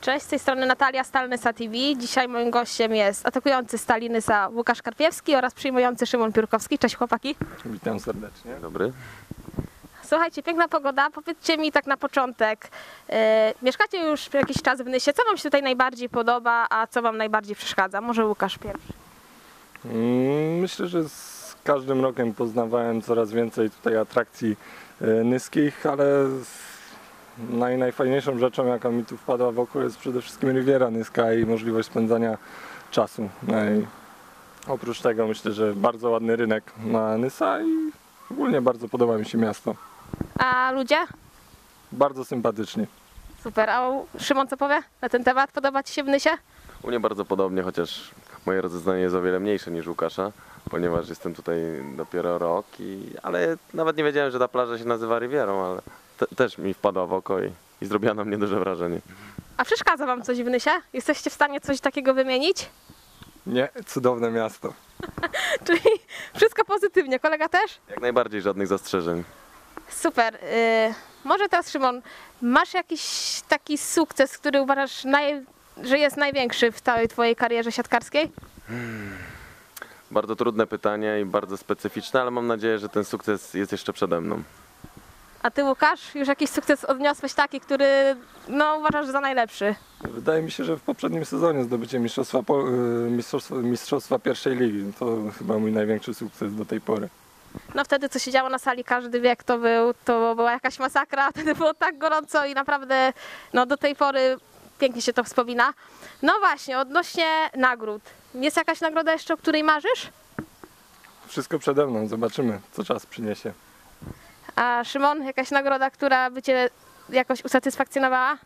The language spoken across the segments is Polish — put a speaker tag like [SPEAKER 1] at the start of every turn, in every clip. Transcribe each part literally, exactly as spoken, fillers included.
[SPEAKER 1] Cześć, z tej strony Natalia, Stal Nysa T V. Dzisiaj moim gościem jest atakujący Stali Nysa Łukasz Karpiewski oraz przyjmujący Szymon Piórkowski. Cześć chłopaki.
[SPEAKER 2] Witam serdecznie.
[SPEAKER 3] Dobry.
[SPEAKER 1] Słuchajcie, piękna pogoda. Powiedzcie mi tak na początek, yy, mieszkacie już jakiś czas w Nysie. Co wam się tutaj najbardziej podoba, a co wam najbardziej przeszkadza? Może Łukasz pierwszy.
[SPEAKER 2] Mm, Myślę, że z każdym rokiem poznawałem coraz więcej tutaj atrakcji e, nyskich, ale z- naj, najfajniejszą rzeczą, jaka mi tu wpadła w oko, jest przede wszystkim Riviera Nyska i możliwość spędzania czasu. No i oprócz tego myślę, że bardzo ładny rynek ma Nysa i ogólnie bardzo podoba mi się miasto.
[SPEAKER 1] A ludzie?
[SPEAKER 2] Bardzo sympatycznie.
[SPEAKER 1] Super. A Szymon co powie na ten temat? Podoba ci się w Nysie?
[SPEAKER 3] U mnie bardzo podobnie, chociaż moje rozeznanie jest o wiele mniejsze niż Łukasza, ponieważ jestem tutaj dopiero rok, i, ale nawet nie wiedziałem, że ta plaża się nazywa Rivierą, ale te, też mi wpadła w oko i, i zrobiła na mnie duże wrażenie.
[SPEAKER 1] A przeszkadza wam coś w Nysie? Jesteście w stanie coś takiego wymienić?
[SPEAKER 2] Nie, cudowne miasto.
[SPEAKER 1] Czyli wszystko pozytywnie. Kolega też?
[SPEAKER 3] Jak najbardziej żadnych zastrzeżeń.
[SPEAKER 1] Super. Yy, może teraz Szymon, masz jakiś taki sukces, który uważasz, naj, że jest największy w całej twojej karierze siatkarskiej?
[SPEAKER 3] Bardzo trudne pytanie i bardzo specyficzne, ale mam nadzieję, że ten sukces jest jeszcze przede mną.
[SPEAKER 1] A ty Łukasz, już jakiś sukces odniosłeś taki, który no, uważasz za najlepszy?
[SPEAKER 2] Wydaje mi się, że w poprzednim sezonie zdobycie mistrzostwa, po- y, mistrzostwa, mistrzostwa pierwszej ligi to chyba mój największy sukces do tej pory.
[SPEAKER 1] No wtedy co się działo na sali, każdy wie kto był, to była jakaś masakra, wtedy było tak gorąco i naprawdę no, do tej pory pięknie się to wspomina. No właśnie, odnośnie nagród. Jest jakaś nagroda jeszcze, o której marzysz?
[SPEAKER 2] Wszystko przede mną, zobaczymy co czas przyniesie.
[SPEAKER 1] A Szymon, jakaś nagroda, która by cię jakoś usatysfakcjonowała?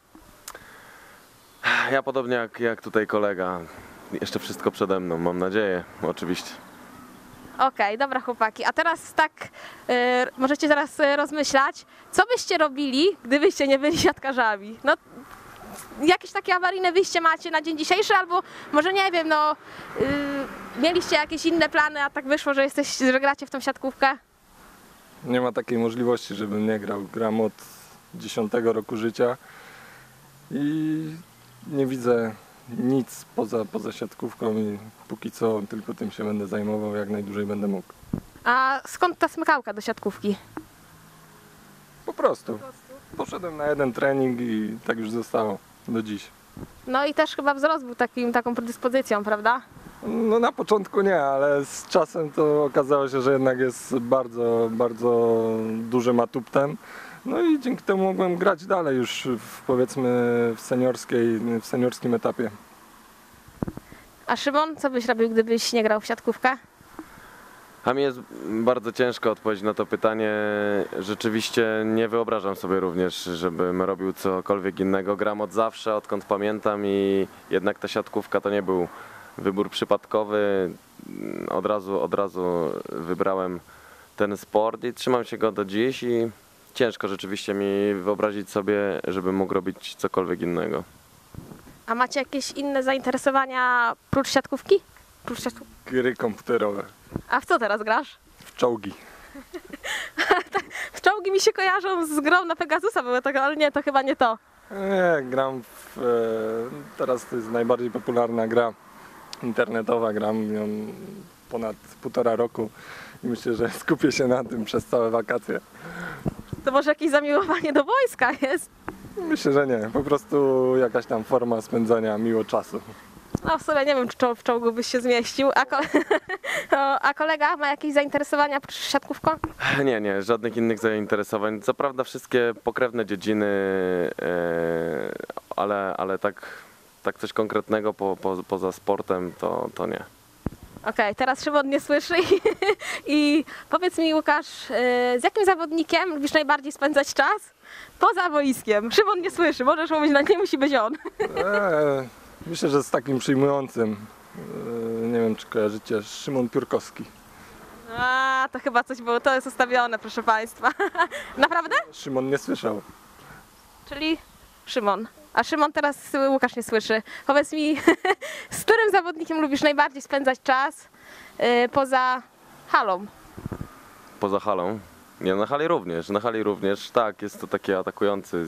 [SPEAKER 3] Ja podobnie jak, jak tutaj kolega, jeszcze wszystko przede mną, mam nadzieję, oczywiście.
[SPEAKER 1] Okej, dobra chłopaki, a teraz tak, y, możecie zaraz y, rozmyślać, co byście robili, gdybyście nie byli siatkarzami? No, jakieś takie awaryjne wyjście macie na dzień dzisiejszy, albo może nie wiem, no, y, mieliście jakieś inne plany, a tak wyszło, że jesteś, że gracie w tą siatkówkę?
[SPEAKER 2] Nie ma takiej możliwości, żebym nie grał. Gram od dziesiątego roku życia i nie widzę nic poza, poza siatkówką i póki co tylko tym się będę zajmował, jak najdłużej będę mógł.
[SPEAKER 1] A skąd ta smykałka do siatkówki?
[SPEAKER 2] Po prostu. Poszedłem na jeden trening i tak już zostało do dziś.
[SPEAKER 1] No i też chyba wzrost był takim, taką predyspozycją, prawda?
[SPEAKER 2] No na początku nie, ale z czasem to okazało się, że jednak jest bardzo, bardzo dużym atuptem. No i dzięki temu mogłem grać dalej już w, powiedzmy w seniorskiej, w seniorskim etapie.
[SPEAKER 1] A Szymon, co byś robił, gdybyś nie grał w siatkówkę?
[SPEAKER 3] A mi jest bardzo ciężko odpowiedzieć na to pytanie. Rzeczywiście nie wyobrażam sobie również, żebym robił cokolwiek innego. Gram od zawsze, odkąd pamiętam, i jednak ta siatkówka to nie był wybór przypadkowy. Od razu, od razu wybrałem ten sport i trzymam się go do dziś, i ciężko rzeczywiście mi wyobrazić sobie, żebym mógł robić cokolwiek innego.
[SPEAKER 1] A macie jakieś inne zainteresowania prócz siatkówki? Prócz siatkówki?
[SPEAKER 2] Gry komputerowe,
[SPEAKER 1] A w co teraz grasz?
[SPEAKER 2] w czołgi.
[SPEAKER 1] W czołgi mi się kojarzą z grą na Pegasusa, były tego, ale nie, to chyba nie to.
[SPEAKER 2] Nie, gram w, e, teraz to jest najbardziej popularna gra internetowa, gram ją ponad półtora roku i myślę, że skupię się na tym przez całe wakacje.
[SPEAKER 1] To może jakieś zamiłowanie do wojska jest?
[SPEAKER 2] Myślę, że nie, po prostu jakaś tam forma spędzania miło czasu.
[SPEAKER 1] No w sumie nie wiem, czy czoł- w czołgu byś się zmieścił. A, ko- o, a kolega ma jakieś zainteresowania prócz siatkówką?
[SPEAKER 3] Nie, nie, żadnych innych zainteresowań. Co prawda wszystkie pokrewne dziedziny, e, ale, ale tak, tak coś konkretnego po, po, poza sportem to, to nie.
[SPEAKER 1] Okej, teraz Szymon nie słyszy i, i powiedz mi Łukasz, yy, z jakim zawodnikiem lubisz najbardziej spędzać czas poza boiskiem? Szymon nie słyszy, możesz mówić, no nie musi być on.
[SPEAKER 2] Eee, myślę, że z takim przyjmującym, eee, nie wiem czy kojarzycie, Szymon Piórkowski.
[SPEAKER 1] A, to chyba coś było, to jest ustawione, proszę Państwa. Naprawdę?
[SPEAKER 2] Szymon nie słyszał.
[SPEAKER 1] Czyli Szymon. A Szymon teraz Łukasz nie słyszy. Powiedz mi, z którym zawodnikiem lubisz najbardziej spędzać czas yy, poza halą?
[SPEAKER 3] Poza halą? Nie, na hali również, na hali również, tak, jest to taki atakujący z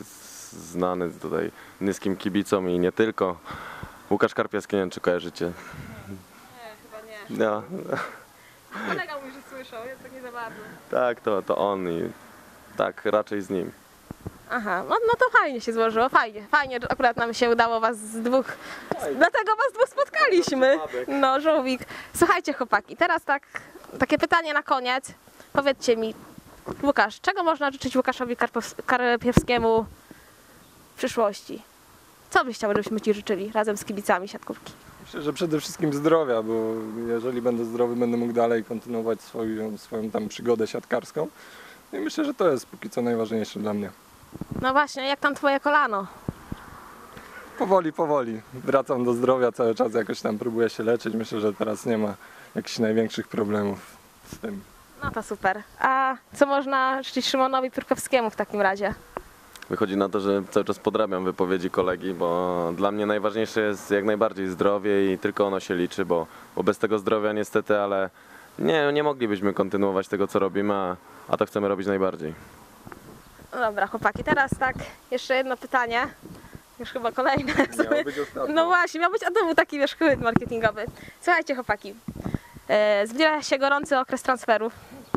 [SPEAKER 3] znany tutaj nyskim kibicom i nie tylko. Łukasz Karpiewski, nie wiem czy kojarzycie.
[SPEAKER 1] Nie, chyba nie.
[SPEAKER 3] No,
[SPEAKER 1] Kolega mówi, że słyszał, ja tak nie za bardzo.
[SPEAKER 3] tak, to, to on i tak raczej z nim.
[SPEAKER 1] Aha, no, no to fajnie się złożyło, fajnie, fajnie, że akurat nam się udało was z dwóch, dlatego was dwóch spotkaliśmy. No, żółwik. Słuchajcie chłopaki, teraz tak, takie pytanie na koniec. Powiedzcie mi, Łukasz, czego można życzyć Łukaszowi Karpows- Karpiewskiemu w przyszłości? Co byś chciał, żebyśmy ci życzyli razem z kibicami siatkówki?
[SPEAKER 2] Myślę, że przede wszystkim zdrowia, bo jeżeli będę zdrowy, będę mógł dalej kontynuować swoją, swoją tam przygodę siatkarską. I myślę, że to jest póki co najważniejsze dla mnie.
[SPEAKER 1] No właśnie, jak tam twoje kolano?
[SPEAKER 2] Powoli, powoli. Wracam do zdrowia cały czas, jakoś tam próbuję się leczyć. Myślę, że teraz nie ma jakichś największych problemów z tym.
[SPEAKER 1] No to super. A co można życzyć Szymonowi Piórkowskiemu w takim razie?
[SPEAKER 3] Wychodzi na to, że cały czas podrabiam wypowiedzi kolegi, bo dla mnie najważniejsze jest jak najbardziej zdrowie i tylko ono się liczy, bo, bo bez tego zdrowia niestety, ale nie, nie moglibyśmy kontynuować tego, co robimy, a, a to chcemy robić najbardziej.
[SPEAKER 1] No dobra, chłopaki, teraz tak, jeszcze jedno pytanie. Już chyba kolejne.
[SPEAKER 2] Miało być ostatnie.
[SPEAKER 1] No właśnie, miał być, a to był taki wiesz, chwyt marketingowy. Słuchajcie chłopaki, e, zbliża się gorący okres transferów.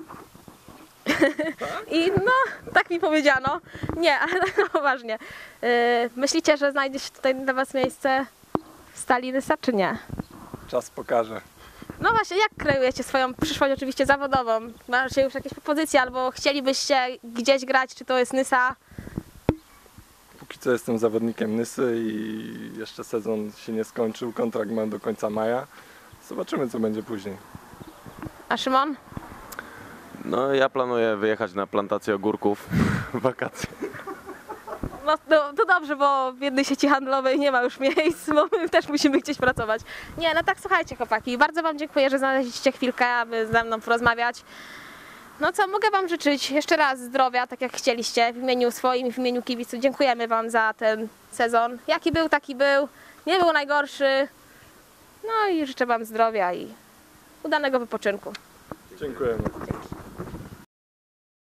[SPEAKER 1] I no, tak mi powiedziano. Nie, ale no, poważnie. E, myślicie, że znajdzie się tutaj dla was miejsce w Stali Nysa, czy nie?
[SPEAKER 2] Czas pokaże.
[SPEAKER 1] No właśnie, jak kreujecie swoją przyszłość oczywiście zawodową? Macie już jakieś propozycje albo chcielibyście gdzieś grać, czy to jest Nysa?
[SPEAKER 2] Póki co jestem zawodnikiem Nysy i jeszcze sezon się nie skończył. Kontrakt mam do końca maja. Zobaczymy, co będzie później.
[SPEAKER 1] A Szymon?
[SPEAKER 3] No ja planuję wyjechać na plantację ogórków w wakacje.
[SPEAKER 1] No, no to dobrze, bo w jednej sieci handlowej nie ma już miejsc, bo my też musimy gdzieś pracować. Nie, no tak słuchajcie chłopaki, bardzo wam dziękuję, że znaleźliście chwilkę, aby ze mną porozmawiać. No co, mogę wam życzyć jeszcze raz zdrowia, tak jak chcieliście, w imieniu swoim i w imieniu kibiców. Dziękujemy wam za ten sezon. Jaki był, taki był. Nie był najgorszy. No i życzę wam zdrowia i udanego wypoczynku.
[SPEAKER 2] Dziękujemy.